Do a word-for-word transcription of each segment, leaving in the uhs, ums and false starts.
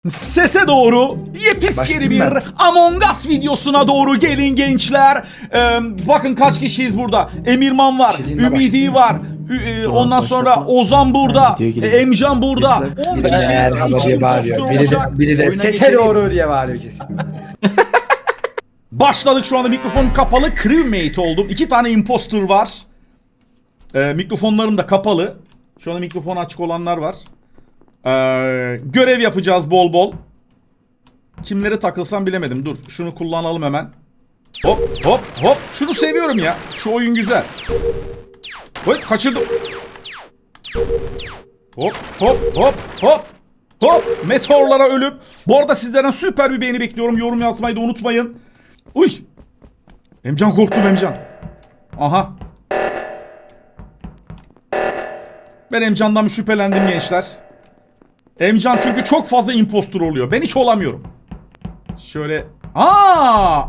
Sese doğru yepis yeni bir Among Us videosuna doğru gelin gençler. Ee, bakın kaç kişiyiz burada. Emirman var, Ümidi var. Ü- e, ondan sonra Ozan burada, e, Emcan burada. on kişiyiz. İki impostor Biri de, olacak. biri de Oyuna sese geçelim. doğru diye bağırıyor kesin. Başladık, şu anda mikrofon kapalı. Crewmate oldum. İki tane impostor var. Ee, mikrofonlarım da kapalı. Şu anda mikrofonu açık olanlar var. Ee, görev yapacağız bol bol. Kimlere takılsam bilemedim. Dur şunu kullanalım hemen. Hop hop hop. Şunu seviyorum ya. Şu oyun güzel. Oy, kaçırdım. Hop hop hop hop. Hop. Meteorlara ölüp. Bu arada sizlerden süper bir beğeni bekliyorum. Yorum yazmayı da unutmayın. Uy. Emcan, korktum Emcan. Aha. Ben Emcan'dan şüphelendim gençler. Emcan çünkü çok fazla impostor oluyor. Ben hiç olamıyorum. Şöyle. Aa!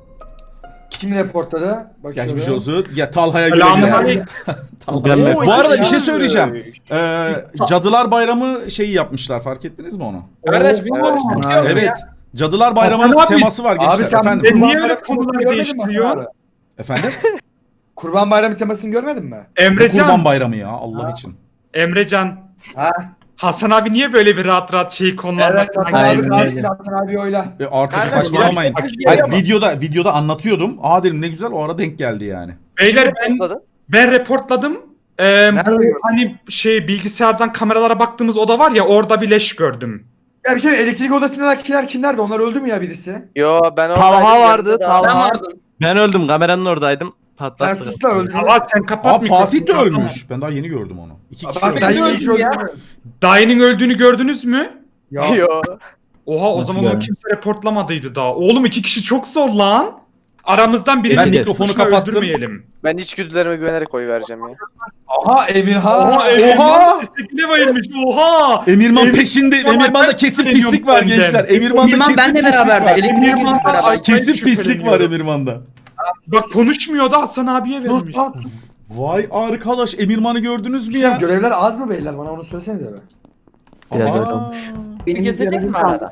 Kim reportladı? Bakıyorum. Geçmiş olsun. Ya Talha'ya göre. Selamünaleyküm. Talha. Oo, Bu arada bir iki şey kişi. söyleyeceğim. Ee, Cadılar Bayramı şeyi yapmışlar. Fark ettiniz mi onu? Kardeş biz Evet. konuşuyoruz Evet. ya. Cadılar Abi, Bayramı teması var gençler. Abi sen Efendim. Ben niye Kurban öyle Bayramı konuları görmedin mi değiştiriyorsun? Hasan abi? Efendim? Kurban Bayramı temasını görmedin mi? Emrecan, Kurban Bayramı ya Allah için. Emrecan. Ha? Hasan abi niye böyle bir rahat rahat şey konularla Evet, Hasan falan abi, geliyor? abi, Hasan abi oyla. E artık Kardeş, saçmalamayın. bak- Hayır, bak- videoda videoda anlatıyordum. Aa dedim ne güzel, o ara denk geldi yani. Beyler ben ben reportladım. Ee, Nerede bu gördün? hani şey bilgisayardan kameralara baktığımız oda var ya, orada bir leş gördüm. Ya bir şey, elektrik odasındakiler kimlerdi? Onlar öldü mü ya birisi? Yo ben oradaydım. Talha vardı, yanında da- Talha. vardım. Ben öldüm, kameranın oradaydım. Sen Patlattı. sus da öldün. Allah sen Aa kapat Fatih de mikrofonu. ölmüş. Ben daha yeni gördüm onu. İki kişi Bak ben ölmüş. yine hiç öldüm. Dayının öldüğünü gördünüz mü? Ya. Yo. Oha, o Nasıl zaman o yani? kimse reportlamadıydı daha. Oğlum iki kişi çok zor lan. Aramızdan biri Ben tek mikrofonu başına kapattım. öldürmeyelim. Ben içgüdülerime güvenerek oy vereceğim ya. Aha Emirhan. Oha, Emirman destekine bayılmış. Oha! Emirman Emir- peşinde. Emirman'da kesin Şüpheleniyorum pislik var senden. gençler. Emirman'da Emirman kesin benle pislik beraberdi. var. Elektriğe girdik Emirman- beraber. Ay, Kesin pislik var şüpheleniyorum. Emirman'da. Bak konuşmuyordu, Hasan abiye Sus vermiş. lan sus. Vay arkadaş, Emirman'ı gördünüz mü Güzel, ya? görevler az mı beyler? Bana onu söylesenize be. Biraz Aa. öyle olmuş. Benim görevim kaldı.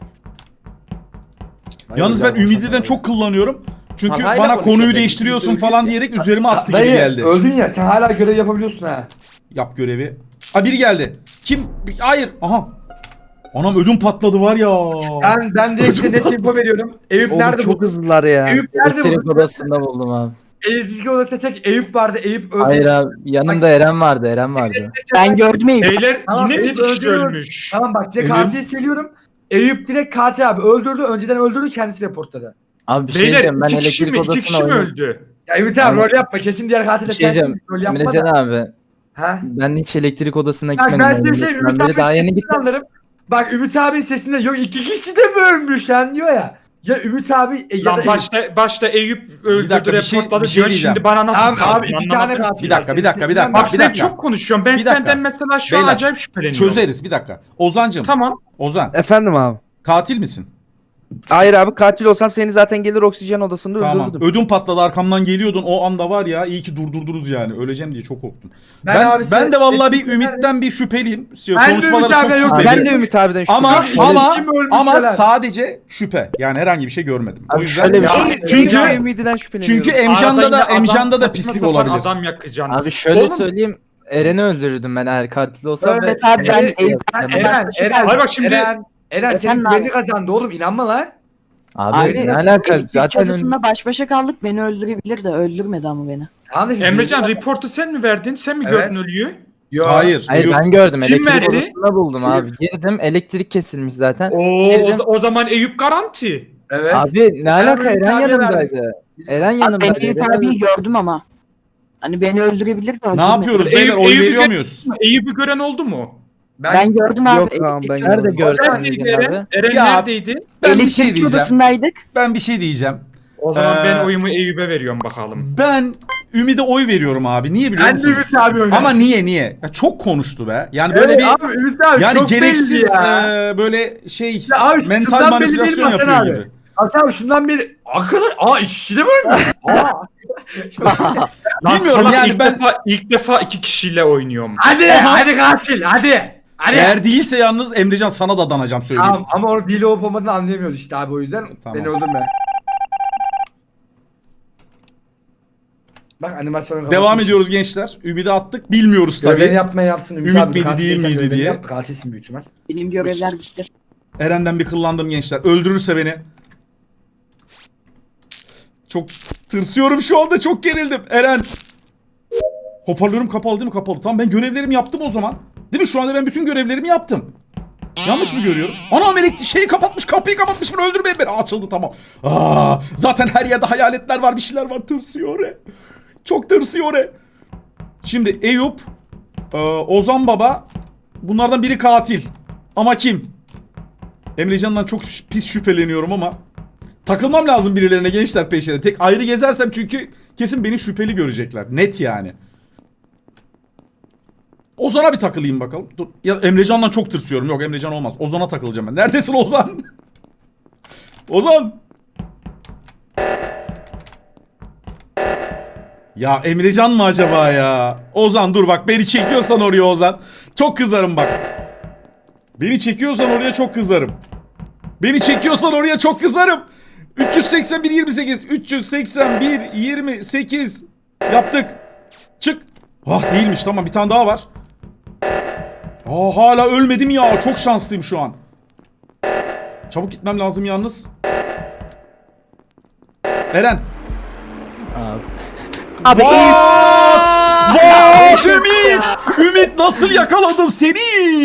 Yalnız ben Ümidi'den çok kullanıyorum. Çünkü Talha'yla bana konuşuyor, konuyu ben değiştiriyorsun Ümidi'yle falan görüşüyor. diyerek üzerime attı gibi Dayı geldi. öldün ya, sen hala görev yapabiliyorsun ha. Yap görevi. Ha, biri geldi. Kim? Hayır. Aha. Anam ödüm patladı var ya. Ben ben direkt size net info veriyorum. Eyüp Oğlum nerede çok bu? hızlılar ya. Eyüp nerede Elektrik bu? odasında buldum abi. Elektrik odasında tek Eyüp vardı. Eyüp öldü. Hayır abi, yanımda Eren vardı, Eren vardı. Ben gördüm Eyüp. Beyler Tamam, yine bir Eyüp kişi öldürüyor. ölmüş. Tamam bak size Elim- katili söylüyorum. Eyüp direkt katil abi öldürdü. Önceden öldürdü, kendisi reportladı. Abi bir şey Beyler diyeceğim, ben iki kişi mi? elektrik İki kişi mi odasına oynadım. öldü? Ya Ümit abi Abi- rol yapma. Kesin diğer katil de Bir şey sensin. diyeceğim, Rol yapma Emrecan da. abi, Ha? ben hiç elektrik odasına Bak gitmedim. ben size bir şey Ben Ümit böyle abi daha yeni sesinden gittim. anlarım. Bak Ümit abinin sesinde yok iki kişi de mi ölmüş lan diyor ya. Ya Ümit abi e, ya da Lan Eyüp. başta, başta Eyüp öldürdü, dakika, bir şey- reportladı bir şey diyor, diyeceğim. şimdi bana nasıl Tamam saldın, abi iki tane anlamadım. katil. Bir dakika, var. bir dakika, bir dakika. Bak Bir ben dakika. çok konuşuyorum. Ben Bir dakika. senden mesela şu an Beyler, acayip şüpheleniyorum. Çözeriz bir dakika. Ozancım. Tamam. Ozan. Efendim abi. Katil misin? Hayır abi, katil olsam seni zaten gelir oksijen odasında Tamam. öldürürdüm. Ödüm patladı, arkamdan geliyordun. O anda var ya, iyi ki durdurdunuz yani. Öleceğim diye çok korktum. Ben Ben abi ben, size- de vallahi bir Eskiden- Ümit'ten bir şüpheliyim. Ben de Konuşmaları Ümit çok abiden yok. Abi, şüpheli. ben de Ümit abiden Ama şüpheliyim. ama Kim ölmüş ama falan. sadece şüphe. Yani herhangi bir şey görmedim. O Abi yüzden şöyle bir Ya, şey. çünkü Ben Ümit'den şüpheleniyorum. çünkü Arada Emcan'da yine da adam Emcan'da da saçma pislik sapan olabilir. Adam yakacaksın. Abi şöyle Oğlum, söyleyeyim. Eren'i öldürürdüm ben eğer katil olsam. Evet ve- abi, ben Evet, Eyüp- evet. Eren, Eren, Hayır bak şimdi- Eren, Eren senin Efendim güvenini abi. kazandı oğlum, inanma lan. Abi, Abi, ne alaka? elektrik Zaten ön- odasında baş başa kaldık. Beni öldürebilir de öldürmedi ama beni. Tamam da şimdi- Emrecan reportu sen mi verdin? Sen mi Evet. gördün ölüyü? Yo. Hayır. Hayır yok. ben gördüm. Kim Elektrik verdi? odasında buldum abi. Girdim, elektrik kesilmiş zaten. Oo, o, Girdim. o zaman Eyüp garanti. Evet. Abi ne alaka, Ümit Eren abiye yanımdaydı. Eren Abi ben yanımdaydı. Eyüp Eren abiyi öldürdü. gördüm ama. Hani beni öldürebilir de Ne öldürmedi. yapıyoruz Eyüp- beyler? Oy Eyüp'ü veriyor gö- muyuz? Eyüp'ü gören oldu mu? Ben, Ben gördüm abi. Yok tamam, ben elektrik- Nerede gördün Neredeydi Emrecan Eren? abi? Eren Ya- neredeydi? Ben bir elektrik şey diyeceğim. odasındaydık. Ben bir şey diyeceğim. O zaman Ee, ben oyumu Eyüp'e veriyorum bakalım. Ben Ümit'e oy veriyorum abi. Niye biliyor ben de musunuz? Ümit abi oynadım. Ama niye niye? Ya çok konuştu be. Yani böyle Evet, bir abi, Ümit abi yani çok gereksiz belli ya. e, böyle şey Ya abi, mental şundan belli manipülasyon değil mi Hasan yapıyor abi? gibi. Hasan abi şundan beri arkadaş aa iki kişi de mi ölmüş? Aa. Lan Bilmiyorum salak, yani ilk ben- defa ilk defa iki kişiyle oynuyorum. Hadi Aha. hadi katil hadi. Hani Eğer değilse yalnız Emrecan sana da danacağım söyleyeyim. Tamam ama onu dili olup olmadığını anlayamıyoruz işte abi o yüzden Tamam. beni öldürme. Bak animasyonu Devam kapatmış. ediyoruz gençler. Ümidi attık. Bilmiyoruz Görevini tabii. yapmaya yapsın. Ümit, Ümit abi, miydi, katil değil değilsen miydi görevini diye. Yap, katilsin büyük ihtimal. Benim görevler bitti. Eren'den bir kıllandım gençler. Öldürürse beni. Çok tırsıyorum şu anda. Çok gerildim. Eren. Hoparlörüm kapalı değil mi? Kapalı. Tamam ben görevlerimi yaptım o zaman. Değil mi? Şu anda ben bütün görevlerimi yaptım. Yanlış mı görüyorum? Anam elektrik şeyi kapatmış. Kapıyı kapatmış. Bunu öldürmeyin beni. Açıldı tamam. Aa, zaten her yerde hayaletler var. Bir şeyler var. Tırsıyor. Re. Çok tırsıyor. Re. Şimdi Eyüp. e, Ozan Baba. Bunlardan biri katil. Ama kim? Emrecan'dan çok pis şüpheleniyorum ama takılmam lazım birilerine gençler peşine. Tek ayrı gezersem çünkü kesin beni şüpheli görecekler. Net yani. Ozan'a bir takılayım bakalım. Dur. Ya Emrecan'dan çok tırsıyorum. Yok Emrecan olmaz. Ozan'a takılacağım ben. Neredesin Ozan? Ozan. Ya Emrecan mı acaba ya? Ozan dur bak beni çekiyorsan oraya Ozan. Çok kızarım bak. Beni çekiyorsan oraya çok kızarım. Beni çekiyorsan oraya çok kızarım. üç yüz seksen bir yirmi sekiz üç yüz seksen bir yirmi sekiz yaptık. Çık. Ah değilmiş tamam bir tane daha var. Aa hala ölmedim ya. Çok şanslıyım şu an. Çabuk gitmem lazım yalnız. Eren. Abi. Abi What? What? Ümit! Ümit nasıl yakaladım seni?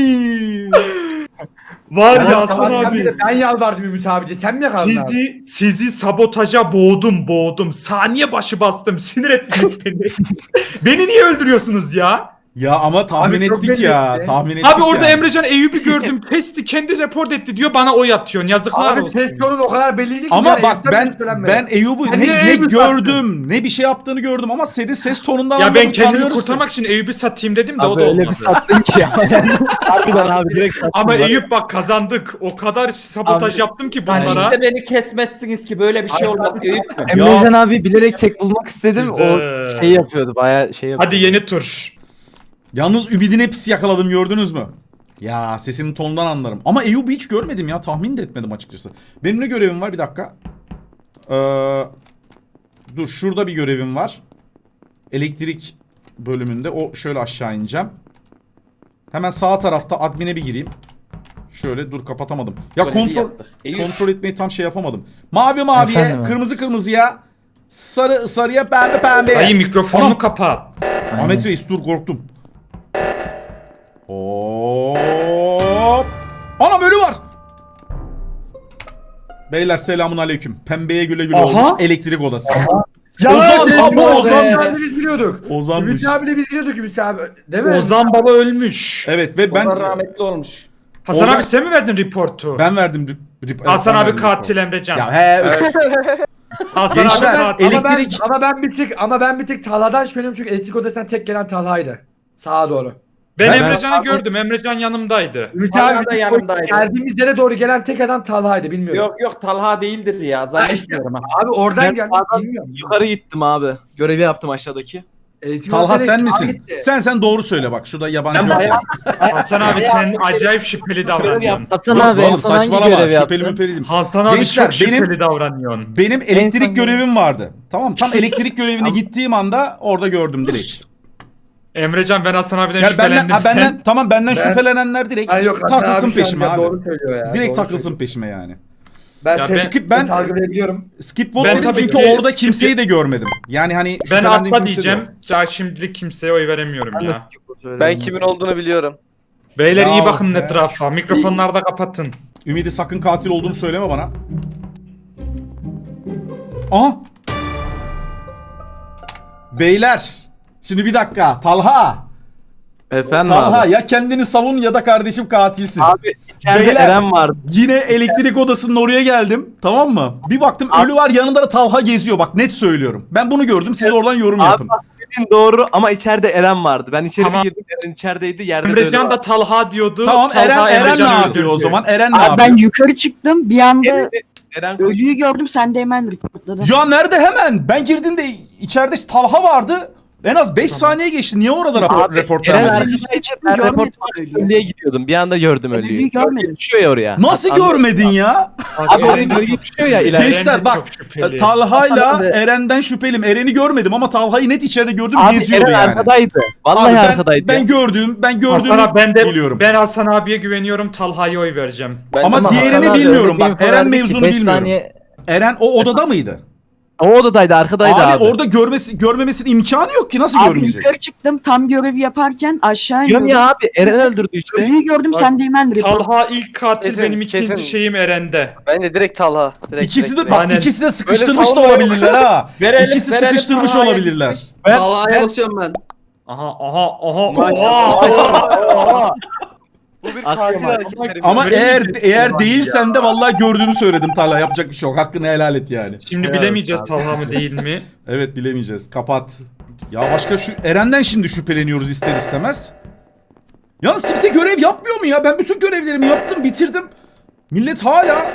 Var Ya, ya Hasan tamam, sen bir abi. de Ben yalvardım Ümit abiye. Sen mi yakaladın abi? Sizi, sizi sabotaja boğdum boğdum. Saniye başı bastım. Sinir ettiniz beni. Beni niye öldürüyorsunuz ya? Ya ama tahmin Abi çok ettik belli ya. etti. Tahmin ettik Abi orada yani. Emrecan Eyüp'ü gördüm. Pesti kendi report etti diyor. Bana oy atıyorsun. Yazıklar Abi olsun. ses tonun o kadar belliydi ki. Ama yani bak Eyüp'ten ben şüphelenme. ben Eyüp'ü Sen ne, niye ne Eyüp'ü gördüm ne bir şey yaptığını gördüm ama senin ses tonundan Ya ben anladım, kendimi tanıyoruz kurtarmak için Eyüp'ü satayım dedim de o Abi da öyle bir olmadı. sattın ki ya. Harbiden abi direkt sattın. Ama bak. Eyüp bak kazandık. O kadar sabotaj Abi, yaptım ki Yani bunlara. işte beni kesmezsiniz ki böyle bir şey Ay, olmaz. abi, Eyüp mü? Emrecan abi bilerek tek bulmak istedim. Güzel. O şey yapıyordu. Bayağı şey yapıyordu. Hadi yeni tur. Yalnız Ümid'in hepsi yakaladım gördünüz mü? Ya sesinin tonundan anlarım. Ama Eyüp'ü hiç görmedim ya. Tahmin de etmedim açıkçası. Benim ne görevim var? Bir dakika. Ee, dur şurada bir görevim var. Elektrik bölümünde. O şöyle aşağı ineceğim. Hemen sağ tarafta admin'e bir gireyim. Şöyle dur kapatamadım. Ya Böyle bir kontrol yaptık. Eyüp. kontrol etmeyi tam şey yapamadım. Mavi maviye, Efendim abi? kırmızı kırmızıya, sarı sarıya, pembe pembeye. Dayı mikrofonunu Anam. kapat. Aynen. Ahmet Reis dur korktum. Hop. Anam ölü var. Beyler selamun aleyküm. Pembeye güle güle Aha. olmuş elektrik odası. Ya Ozan, ses ama tonu, Ozan- Ümit abi biz biliyorduk. Ozanmış. Ümit abiyle biz biliyorduk Ümit abi. Değil mi? Ozan baba ölmüş. Evet ve Ben... ben rahmetli olmuş. Hasan Ozan- abi sen mi verdin reportu? ben verdim. rip- rip- Hasan ben abi verdim katil report. Emrecan. Ya he öf. Hasan Gençler, abi katil. ele- Ama ben, Elektrik- ama ben bir tık ama ben bir tık Talha'dan şüpheleniyorum çünkü elektrik odasından tek gelen Talha'ydı. Sağa doğru. Ben, Ben- Emrecan'ı gördüm. Emrecan yanımdaydı. Ümit Talha abi da biz yanımdaydı. geldiğimiz yere doğru gelen tek adam Talha'ydı bilmiyorum. Yok yok Talha değildir ya. Zannetmiyorum ha. Abi oradan Ben geldi sağdan bilmiyorum. Yukarı gittim abi. Görevi yaptım aşağıdaki. Elektrik Talha odasına sen sağa misin? gitti. Sen sen doğru söyle bak. Şurada yabancı Ben yok. bayağı- yani. Hasan abi sen acayip şüpheli davranıyorsun. Hasan Yok abi en oğlum son hangi saçmalama. görevi Şüpheli yaptın? müpeli. Hasan abi Gençler, çok benim- şüpheli davranıyorsun. Benim elektrik son- görevim vardı. Tamam tam elektrik görevine gittiğim anda orada gördüm direkt. Emrecan ben Hasan abiden Yani benden, şüphelendim. ha, benden Sen tamam benden Ben- şüphelenenler direkt Ay yok Hasan takılsın abi şu an peşime ya abi. Doğru söylüyor ya. Direkt doğru takılsın söylüyor. peşime yani. Ben Ya ses ben- Skip ben algılayabiliyorum. skip vote Ben dedim tabii çünkü ki orada skip- kimseyi de görmedim. Yani hani ben şüphelendiğim atla kimse de diyeceğim. yok. Ya şimdilik kimseye oy veremiyorum Ben de ya. Ben kimin olduğunu biliyorum. Beyler Ya iyi bakın be. etrafa. Mikrofonları da kapatın. Ümidi sakın katil olduğunu söyleme bana. Aha. Beyler. Şimdi bir dakika. Talha. Efendim Talha abi. ya kendini savun ya da kardeşim katilsin. Abi içeride Beyler. Eren vardı. Yine elektrik odasının oraya geldim. Tamam mı? Bir baktım ölü var yanında da Talha geziyor. Bak net söylüyorum. Ben bunu gördüm. Siz oradan yorum Abi yapın. bak dediğin doğru ama içeride Eren vardı. Ben içeri Tamam. bir girdim. Eren içerideydi. Yerde de öyle Emrecan vardı. da Talha diyordu. Tamam Talha Eren Eren ne Emrecan'ı yapıyor o öldürdü. zaman? Eren ne Abi yapıyor? ben yukarı çıktım bir anda Eren, Eren koş. ölüyü gördüm sen de hemen reportladın. Ya nerede hemen? Ben girdiğimde içeride Talha vardı. En az beş saniye geçti. Niye orada rapor, Abi, report Eren vermediniz? arkadaydı. Ben Görmedim report ölüyü. ölüye gidiyordum. Bir anda gördüm ölüyü. Ölüyü görmedim. Düşüyor ya oraya. Nasıl Anladın mı? görmedin ya? Abi oraya gölge düşüyor ya ileride. Gençler Eren de bak, çok şüpheli. Talha'yla Hasan abi- Eren'den şüpheliyim. Eren'i görmedim ama Talha'yı net içeride gördüm, Abi geziyordu Eren yani. arkadaydı. Vallahi Abi ben, arkadaydı. ben gördüm, ben gördüğümü Hasan abi, ben de biliyorum. ben Hasan abiye güveniyorum. Talha'ya oy vereceğim. Ben Ama Ama diğerini Hasan abi bilmiyorum öyle bir bak, info Eren verdi ki mevzunu beş bilmiyorum. saniye- Eren o odada mıydı? O odadaydı, arkadaydı Abi, abi. orada görmesi görmemesinin imkanı yok ki, nasıl Abi görmeyecek? yukarı çıktım tam görevi yaparken aşağı Diyorum iniyordum. ya abi Eren öldürdü işte. Ölüyü gördüm Bak, sen de hemen report. Talha ilk katil, Kesin, benim ikinci kesin. şeyim Eren'de. Bence direkt Talha. Direkt, İkisi de direkt, bak, Aynen. ikisi de sıkıştırmış da savunma yok. olabilirler ha. Verelim, İkisi verelim sıkıştırmış Talha'ya. olabilirler. Ben- Talha'ya basıyorum ben. Aha aha aha. Maşallah. Bu bir Aklıma- katil hareketleri. Ama Böyle eğer bir- eğer değilsen de vallahi gördüğünü söyledim Talha. Yapacak bir şey yok. Hakkını helal et yani. Şimdi Evet bilemeyeceğiz abi. Talha mı değil mi? Evet, bilemeyeceğiz. Kapat. Ya başka şu Eren'den şimdi şüpheleniyoruz ister istemez. Yalnız kimse görev yapmıyor mu ya? Ben bütün görevlerimi yaptım, bitirdim. Millet hala...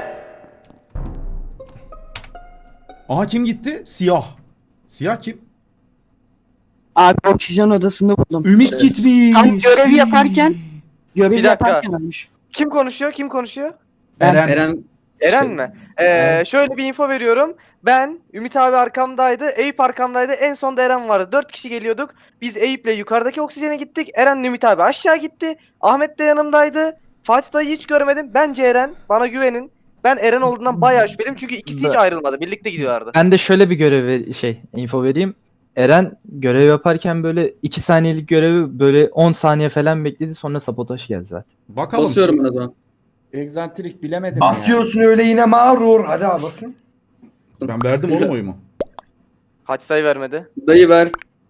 Aha, kim gitti? Siyah. Siyah kim? Abi oksijen odasında buldum. Ümit gitmiş. Tam görevi yaparken görevi Bir dakika. yaparken ölmüş. Kim konuşuyor? Kim konuşuyor? Eren. Eren Eren mi? Ee, şöyle bir info veriyorum. Ben, Ümit abi arkamdaydı, Eyüp arkamdaydı. En son da Eren vardı. Dört kişi geliyorduk. Biz Eyüp'le yukarıdaki oksijene gittik. Eren'le Ümit abi aşağı gitti. Ahmet de yanımdaydı. Fatih dayı hiç görmedim. Bence Eren. Bana güvenin. Ben Eren olduğundan bayağı şüpheliyim. Çünkü ikisi hiç ayrılmadı. Birlikte gidiyorlardı. Ben de şöyle bir görev ver- şey info vereyim. Eren görev yaparken böyle iki saniyelik görevi böyle on saniye falan bekledi, sonra sabotaj geldi zaten. Bakalım. Basıyorum ben o zaman. Egzantrik bilemedim ya. Basıyorsun öyle yine mağrur. Hadi abi basın. Ben verdim oğlum oyumu. Fatih dayı vermedi. Dayı ver.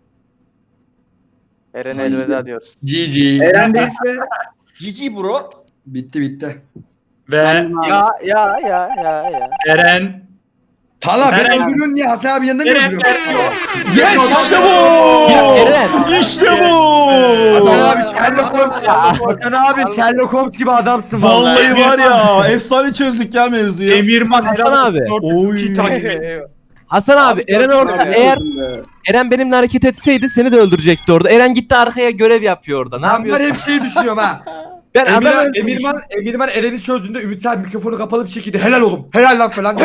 Eren'e elveda diyoruz. G G. Eren değilse Cici bro. bitti bitti. Ve Ya ya ya ya ya. Eren Talha Eren- beni öldürüyorsun niye? Hasan abi yanında niye Eren öldürüyorsun? Yes, işte bu! Eren. İşte bu! Hasan abi Sherlock Holmes ya. Hasan abi Sherlock Holmes gibi adamsın vallahi. Vallahi var ya, efsane çözdük ya mevzuyu. Emirman Hasan helal abi. olsun. Oy. İki tane. Hasan abi, Abi, Eren gördüm orada abi. eğer Eren benimle hareket etseydi seni de öldürecekti orada. Eren gitti arkaya görev yapıyor orada. Ne Ben yapıyor? var hep şey düşünüyorum ha. Ben adam Emirman, öldürmüşüm. Emirman, Emirman Eren'i çözdüğünde Ümit abi mikrofonu kapalı bir şekilde helal oğlum. Helal lan falan.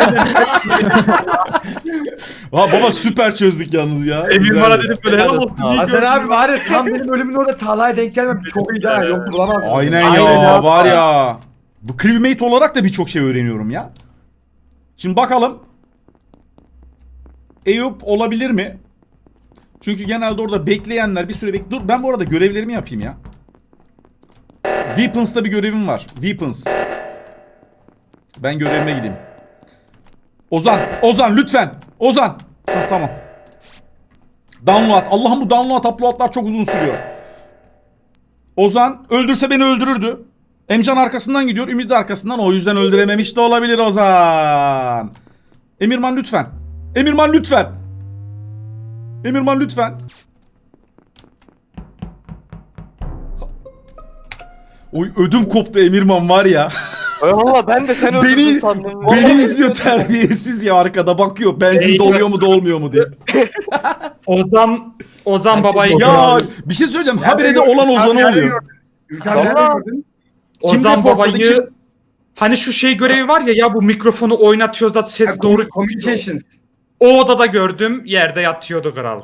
Ha baba, süper çözdük yalnız ya. Emirman'a Güzeldi. dedim böyle helal Helal olsun. olsun iyi Hasan gördün. abi var ya tam benim ölümün orada Talha'ya denk gelmem. Çok iyi ha. Yok bulamazsın. Aynen, Aynen ya, ya. var ya. Bu crewmate olarak da birçok şey öğreniyorum ya. Şimdi bakalım. Eyüp olabilir mi? Çünkü genelde orada bekleyenler bir süre bek... Dur, ben bu arada görevlerimi yapayım ya. Weapons'ta bir görevim var. Weapons. Ben görevime gideyim. Ozan, Ozan lütfen. Ozan. Hah, tamam. Download. Allah'ım, bu download uploadlar çok uzun sürüyor. Ozan öldürse beni öldürürdü. Emcan arkasından gidiyor, Ümit de arkasından. O yüzden öldürememiş de olabilir Ozan. Emirman lütfen. Emirman lütfen. Emirman lütfen. Oy, ödüm koptu Emirman var ya. Valla ben de seni öldürdün Beni sandım. beni Vallahi izliyor terbiyesiz ya, arkada bakıyor. Benzin Ey, doluyor mu dolmuyor mu diye. Ozan Ozan babayı Ya bir şey söyleyeceğim. Habire de olan Ozan'ı oluyor. Ümit abi nerede Vallahi- gördün? Ozan reportladı, babayı kim? hani şu şey görevi var ya ya bu mikrofonu oynatıyoruz da ses doğru. Communications. O odada gördüm, yerde yatıyordu kral.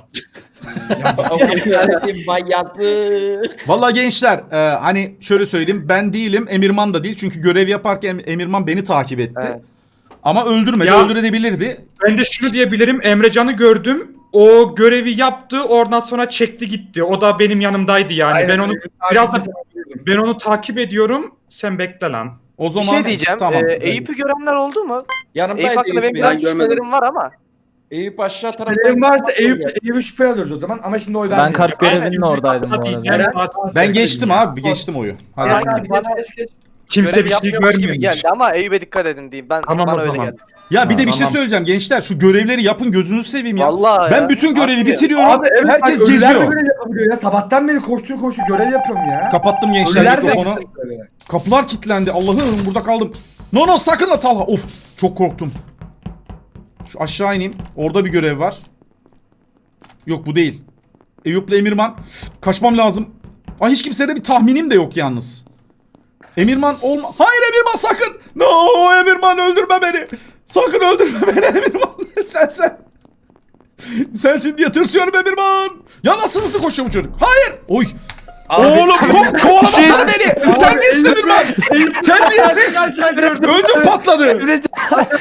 Bayatı. Vallahi gençler, e, hani şöyle söyleyeyim, ben değilim, Emirman da değil, çünkü görev yaparken Emirman beni takip etti. Evet. Ama öldürmedi, Ya- öldürebilirdi. Ben de şunu diyebilirim, Emrecan'ı gördüm. O görevi yaptı, oradan sonra çekti gitti. O da benim yanımdaydı yani. Aynen, ben onu Ümit abi biraz da de sana biliyordum. ben onu takip ediyorum. Sen bekle lan. O Bir zaman şey diyeceğim. tamam. Ee, Eyüp'ü görenler oldu mu? Yanımdaydı Eyüp hakkında benim Eyüp. biraz Ben görmedim. şüphelerim var ama. Eyüp aşağı tarafta. Şüphelerin varsa Eyüp, Eyüp'ü şüphe alıyoruz o zaman ama şimdi oy Ben vermiyorum. kart görevinin Aynen, oradaydım bu arada. diyeceğim, Eren- zaten Ben sen geçtim dedin ya. abi, geçtim oyu. Hadi. Yani Hadi bana geç, geç, geç. Kimse görev bir şey yapmıyormuş gibi görmemiş. geldi ama Eyüp'e dikkat edin diyeyim. Ben Tamam, bana o öyle zaman. geldi. Ya bir de bir Tamam. şey söyleyeceğim gençler, şu görevleri yapın, gözünüzü seveyim ya. Vallahi Ben ya. bütün görevi Haklı. bitiriyorum. Abi evet Herkes bak, ölüler de geziyor. görev yapabiliyor ya. Sabahtan beri koştur koştur görev yapıyorum ya. Kapattım gençler Ölüler de mikrofonu. böyle. Kapılar kilitlendi. Allah'ım, burada kaldım. No no, sakın la Talha. Of, çok korktum. Şu aşağı ineyim. Orada bir görev var. Yok, bu değil. Eyüp'le Emirman. Kaçmam lazım. Ay hiç kimsede bir tahminim de yok yalnız. Emirman olma. Hayır Emirman sakın. No Emirman öldürme beni. Sakın öldürme beni Emirman. sen sen. Sensin diye tırsıyorum Emirman. Ya nasıl hızlı koşuyor bu çocuk? Hayır. Oy. Oğlum ko kovalamasana beni. Terbiyesiz Emirman. Terbiyesiz. Ödüm patladı. Emrecan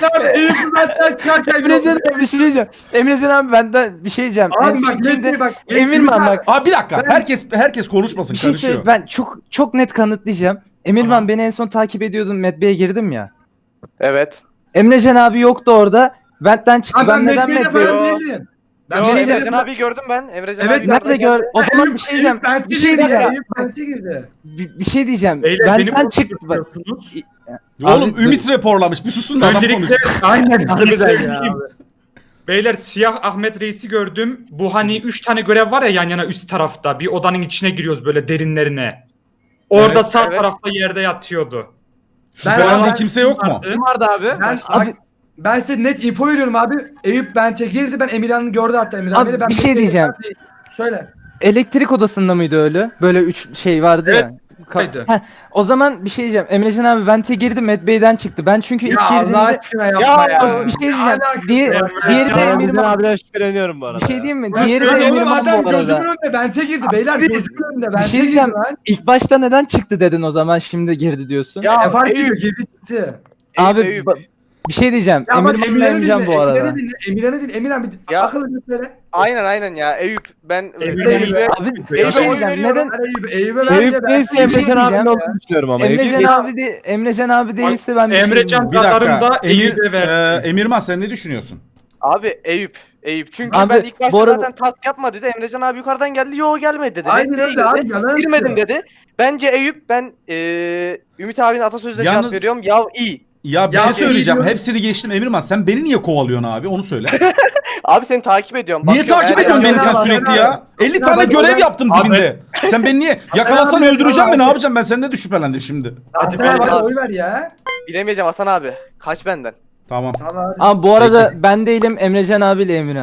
Emrecan abi bir şey diyeceğim. Emrecan abi benden bir şey diyeceğim. En Abi son bak kimde- net bak. Emirman bak. Abi bir dakika. Herkes herkes konuşmasın. Bir şey Karışıyor. söyle, ben çok çok net kanıtlayacağım. Emirman Tamam. beni en son takip ediyordun. Medbe'ye girdim ya. Evet. Emrecan abi yoktu orada. Vent'ten çıktı. Abi ben ben neden Medve'de Medbe'ye... falan değilim. Ben Yo, bir şey Emrecan diyeceğim. abi gördüm ben. Emrecan Evet, abi Nerede gör? O zaman bir şey diyeceğim. Bir şey diyeceğim. Bence girdi. Bir, bir şey diyeceğim. Beyler beni Benden çıktı. Bak. konuşuyorsunuz. Oğlum Abi- Ümit raporlamış. Bir susun da adam Öncelikle konuşsun. aynen Harbiden bunu ya söyleyeyim. Beyler siyah Ahmet Reis'i gördüm. Bu hani üç tane görev var ya yan yana üst tarafta. Bir odanın içine giriyoruz böyle derinlerine. Orada Evet, sağ evet. tarafta yerde yatıyordu. Şüphelendiğin Ben- kimse yok mu? Vardı. Kim vardı abi? Ben, Abi, ben size net info veriyorum abi. Eyüp Bent'e girdi. Ben Emirhan'ı gördü hatta Emirhan. Abi, beni. Ben bir şey Medve'de- diyeceğim. Söyle. elektrik odasında mıydı öyle? Böyle üç şey vardı ya. Ka- Haydi. Heh, o zaman bir şey diyeceğim. Emrecan abi Vent'e girdi, Medbey'den çıktı. Ben çünkü ilk Ya girdiğimde Allah aşkına yapma Ya, ya. bir şey diyeceğim. Alakası Diğer, yok ya. diğeri de Ya, Emirman. abiden şüpheleniyorum bu arada. Bir şey diyeyim mi? Ben Diğeri de söylüyorum oğlum, Emirman adam bu arada. gözümün önünde Bent'e girdi. Beyler gözümün önünde Bir Bent'e şey girdi diyeceğim. lan. İlk başta neden çıktı dedin o zaman şimdi girdi diyorsun. Ya Ne fark ediyor? Eyüp, Girdi çıktı. abi Eyüp. ba- bir şey diyeceğim. Ya bak Emirman'la Emirhan'ı Emrecan dinle. bu arada. Emirhan'ı dinle. Emirhan'ı dinle. Emirhan bir Ya. akıllı bir söyle. Aynen aynen ya. Eyüp ben Emre- Eyüp'e Abi bir Eyüp'e şey oy diyeceğim. veriyorum. Neden Ben Eyüp, Eyüp'e ver Eyüp diye ben- değilse bir şey Emrecan abinin diyeceğim olduğunu düşünüyorum ama. Eyüp Emrecan abi de Emrecan abi değilse ben bir şey Emrecan Bir dakika. radarımda Emir, Eyüp'e verdi. e, Emirman sen ne düşünüyorsun? Abi Eyüp. Eyüp. Çünkü Abi, ben ilk başta bu arada- zaten task yapma dedi. Emrecan abi yukarıdan geldi. Yo gelmedi dedi. Aynen Medve'ye öyle abi, girdi. yalan Girmedim atıyor. dedi. Bence Eyüp ben eee Ümit abinin atasözüne Yalnız- cevap veriyorum. Yav iyi. Ya bir Ya şey söyleyeceğim. Emirman- Hepsini geçtim Emirman. Sen beni niye kovalıyorsun abi? Onu söyle. Abi seni takip ediyorum. Niye Bakıyorum, takip eğer ediyorsun beni yanlış- sen sürekli ya? elli Ya tane bak, görev ben- yaptım Abi- dibinde. Sen beni niye yakalasan abi, öldüreceğim mi? Ne abi. yapacağım? Ben senden de şüphelendim şimdi. Hadi ben- bana oy ver ya. Bilemeyeceğim Hasan abi. Kaç benden. Tamam. Tamam abi. Abi bu arada ben değilim Emrecan abiyle Emirhan.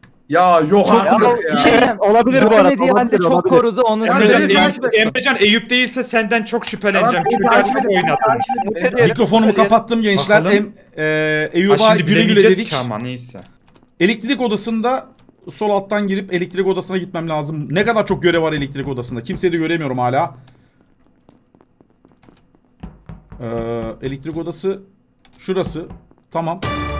Ya yok Çok- artık Ya, ya. Bir şey diyeceğim. Olabilir bu arada, Görmediği halde olabilir, çok olabilir. korudu onu Ya, Emrecan, söyleyeyim. Emrecan- Eyüp, Emrecan Eyüp değilse senden çok şüpheleneceğim. Tamam, Çünkü takip ben çok edelim, oynadım. takip edelim. Mutlu diyelim, Mikrofonumu mutlu diyelim. kapattım gençler. Bakalım. Em, e, Ha, Eyüp'a şimdi güle güle bilemeyeceğiz dedik. ki ama neyse. Elektrik odasında sol alttan girip elektrik odasına gitmem lazım. Ne kadar çok görev var elektrik odasında. Kimseyi de göremiyorum hala. Ee, elektrik odası şurası. Tamam.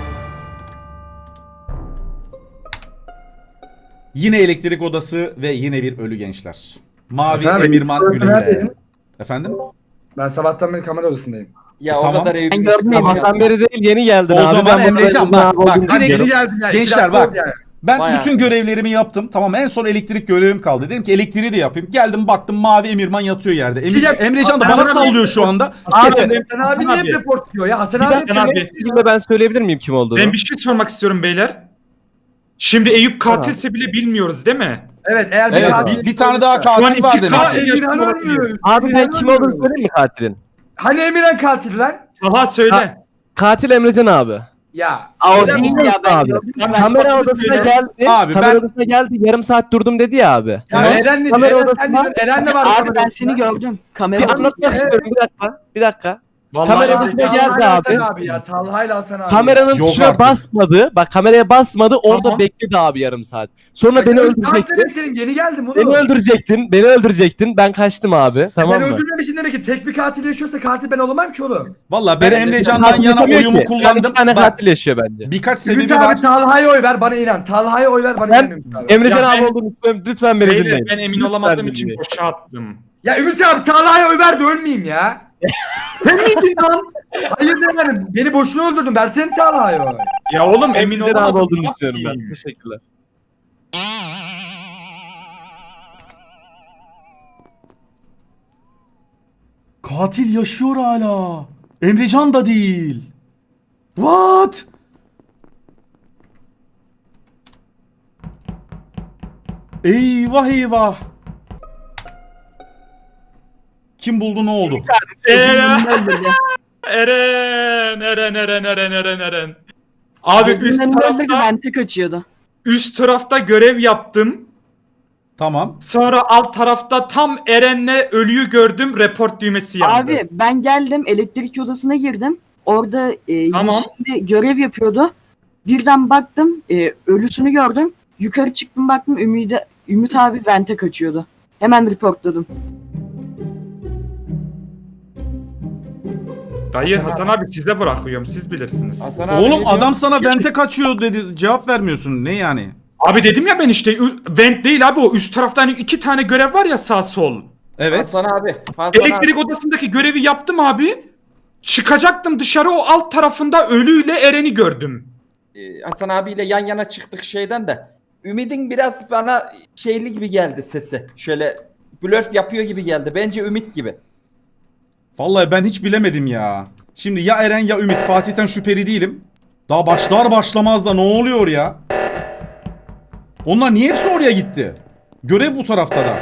Yine elektrik odası ve yine bir ölü gençler. Mavi Hasan abi, Emirman elektrik güle güle. neredeydin? Efendim? Ben sabahtan beri kamera odasındayım. Ya Tamam. o kadar Eyüp. Ben gördüm Emirhan'ı. Sabahtan beri değil yeni geldin O abi. zaman Ben bu Emrecan, kadar bak, uzun bak, olduğunu direkt- düşünüyorum. Yeni geldin yani. Gençler iki dakika bak. oldu yani. Ben Bayağı. bütün görevlerimi yaptım. Tamam en son elektrik görevim kaldı. Dedim ki elektriği de yapayım. Geldim baktım mavi Emirman yatıyor yerde. Emir, Şey yap- Emrecan da Hasan bana abi- sallıyor şu anda. Abi, Kesin. Hasan abi Hasan niye abi. report diyor ya? Hasan Bir abi. dakika abi. Bir şekilde ben söyleyebilir miyim kim olduğunu? Ben bir şey sormak istiyorum beyler. Şimdi Eyüp katilse bile bilmiyoruz değil mi? Evet eğer Evet katil- bir, bir tane daha Şu an katil iki var demek. katil- Aa, Emirhan ölmüyor. Abi ben Emirhan kim ölmüyor. olduğunu söyleyeyim mi katilin? Hani Emirhan katil lan? Aha söyle. Ha. Katil Emrecan abi. Ya. Aa, o Emirhan- değil ya ben Abi. gördüm. Tamam, Kamera sonra odasına söyle. geldi. Abi kamera ben- odasına geldi. Yarım saat durdum dedi ya abi. Ya Evet. Eren ne diyor? Kamera Eren sen odasına- diyorsun. Eren de var. Abi kamera ben odasında. seni gördüm. Bir Kamera anlatmak istiyorum bir dakika. Bir dakika. Vallahi Kamera ya. odasına Talha'yla geldi Hasan abi. abi ya. Talha'yla Hasan abi. Kameranın Yok tuşuna artık. basmadı. Bak kameraya basmadı. Orada Tamam. bekledi abi yarım saat. Sonra beni Ben öldürecektin. bekledim, yeni geldim oğlum. Beni öldürecektin. Beni öldürecektin. Ben kaçtım abi. Tamam ben mı? öldürmemişsin demek ki tek bir katil yaşıyorsa katil ben olamam ki oğlum. Valla ben Ben- Emrecan'dan Katil yana yapamıyor oyumu ki. kullandım. Bir tane Bak, katil yaşıyor bence. birkaç Ümit sebebi var. abi Talha'ya oy ver bana inan. Talha'ya oy ver bana Ben- inan Ümit abi. Emrecan Ya abi ben- olduğunu lütfen, lütfen beni Beyler dinleyin. ben emin Lütfen olamadığım için dinleyin. boşa attım. Ya Ümit abi Talha'ya oy ver de ölmeyeyim ya. Sen miydin lan? Hayır yani beni boşuna öldürdün. Versene Talha'ya oy. Ya oğlum emin Emrecan abi olamadım. olduğunu Ne düşünüyorum ben. yapayım? Teşekkürler. Katil yaşıyor hala. Emrecan da değil. What? Eyvah eyvah. Kim buldu ne oldu? Eren, Eren, Eren, Eren, Eren, Eren, Eren. Abi üst Gözümün önünde öldürdü, tarafta, vente kaçıyordu. üst tarafta görev yaptım. Tamam. Sonra alt tarafta tam Eren'le ölüyü gördüm. Report düğmesi yandı. Abi ben geldim elektrik odasına girdim. Orada e, Tamam. yeşilde görev yapıyordu. Birden baktım e, ölüsünü gördüm. Yukarı çıktım baktım Ümit, Ümit abi vente kaçıyordu. Hemen reportladım. Dayı Hasan abi size bırakıyorum. Siz bilirsiniz. Hasan abi Oğlum ne adam diyor? sana vente kaçıyor dedi. Cevap vermiyorsun. Ne yani? Abi dedim ya ben işte ü- vent değil abi o üst tarafta hani iki tane görev var ya sağ sol. Evet. Hasan abi. Hasan Elektrik abi. odasındaki görevi yaptım abi. Çıkacaktım dışarı o alt tarafında ölüyle Eren'i gördüm. Ee, Hasan abiyle yan yana çıktık şeyden de. Ümid'in biraz bana şeyli gibi geldi sesi. Şöyle blöf yapıyor gibi geldi. Bence Ümit gibi. Vallahi ben hiç bilemedim ya. Şimdi ya Eren ya Ümit. Fatih'ten şüpheli değilim. Daha başlar başlamaz da ne oluyor ya? Onlar niye hepsi oraya gitti? Görev bu tarafta da.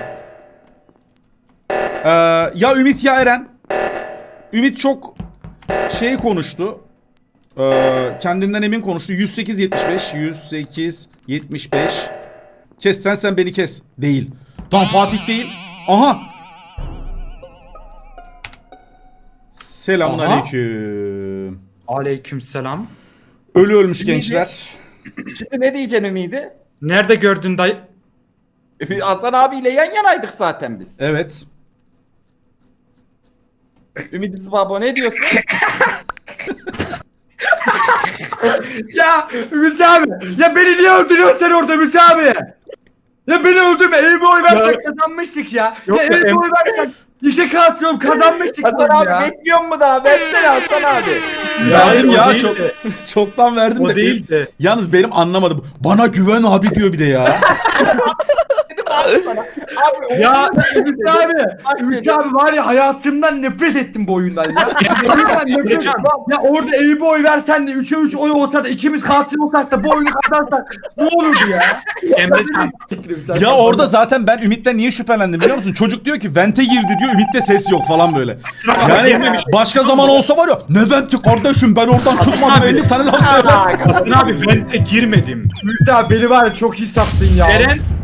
Ee, ya Ümit ya Eren. Ümit çok şey konuştu. Ee, kendinden emin konuştu. yüz sekiz yetmiş beş. yüz sekiz yetmiş beş. Kes sen sen beni kes. Değil. Tam Fatih değil. Aha. Selamun Aha. aleyküm. Aleykümselam. Ölü ölmüş Ümidi- gençler. Şimdi ne diyeceksin Ümid'i? Nerede gördün dayı? Ümit- Hasan abiyle yan yanaydık zaten biz. Evet. Ümit Zibabo ne diyorsun? Ya Ümit abi. Ya beni niye öldürüyorsun sen orada Ümit abi? Ya beni öldürme. Elime oy versek kazanmıştık ya. Yok ya ya, elime em- oy versek iki katıyorum kazanmıştık Hasan oğlum abi ya. bekliyor mu daha? Versene Hasan abi. Verdim o ya değil çok de. çoktan verdim O de. değil de. Yalnız benim anlamadım. Bana güven abi diyor bir de ya. Abi Ya Ümit abi. Ümit abi var ya hayatımdan nefret ettim bu oyundan ya. Oyundan nefret ettim. Ya orada elime oy versen de üçe üç oy olsa da ikimiz katil olsak da bu oyunu kazansak ne olurdu ya? Emrecan. Ya orada zaten ben Ümit'ten niye şüphelendim biliyor musun? Çocuk diyor ki vente girdi diyor. Ümit'te ses yok falan böyle. Yani başka zaman olsa var ya ne venti kardeşim ben oradan çıkmadım elli tane laf söyler. Hasan abi vente girmedim. Ümit abi beni var ya çok iyi sattın ya. Eren